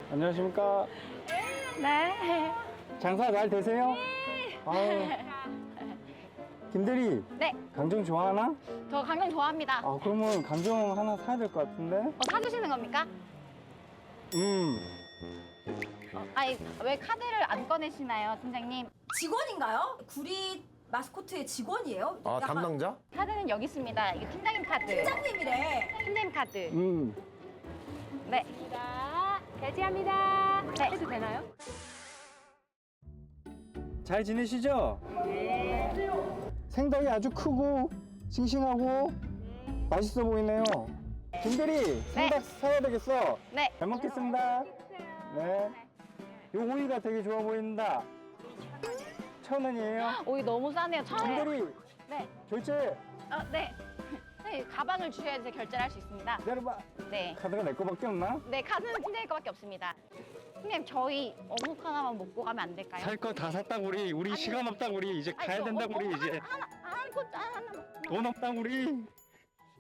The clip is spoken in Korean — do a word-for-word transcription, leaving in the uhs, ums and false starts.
안녕하십니까? 네. 장사 잘 되세요? 아유, 김대리, 네. 강정 좋아하나? 저 강정 좋아합니다. 아, 그러면 강정 하나 사야 될 것 같은데? 어, 사주시는 겁니까? 음, 어, 아니, 왜 카드를 안 꺼내시나요, 팀장님? 직원인가요? 구리 마스코트의 직원이에요? 아, 약간 담당자? 카드는 여기 있습니다. 이게 팀장님 카드. 팀장님이래. 팀장님 카드. 음. 네. 결제합니다. 네. 해도 되나요? 잘 지내시죠? 생닭이 아주 크고 싱싱하고 맛있어 보이네요. 김대리, 생닭 사야 되겠어. 네. 잘 먹겠습니다. 네. 요 오이가 되게 좋아 보인다. 천 원이에요. 오이 너무 싸네요. 천 원. 김대리, 네. 결제 어, 네. 네, 가방을 주셔야 제 결제를 할 수 있습니다. 기다려봐. 네. 카드가 내 거밖에 없나? 네, 카드는 팀장님 거밖에 없습니다. 팀장님, 저희 어묵 하나만 먹고 가면 안 될까요? 살 거 다 샀다 우리. 우리 아니, 시간 없다 우리. 이제 아니, 가야 저 된다 어, 우리 어, 이제. 하나, 하나, 아이고, 하나, 하나. 돈 없다 우리.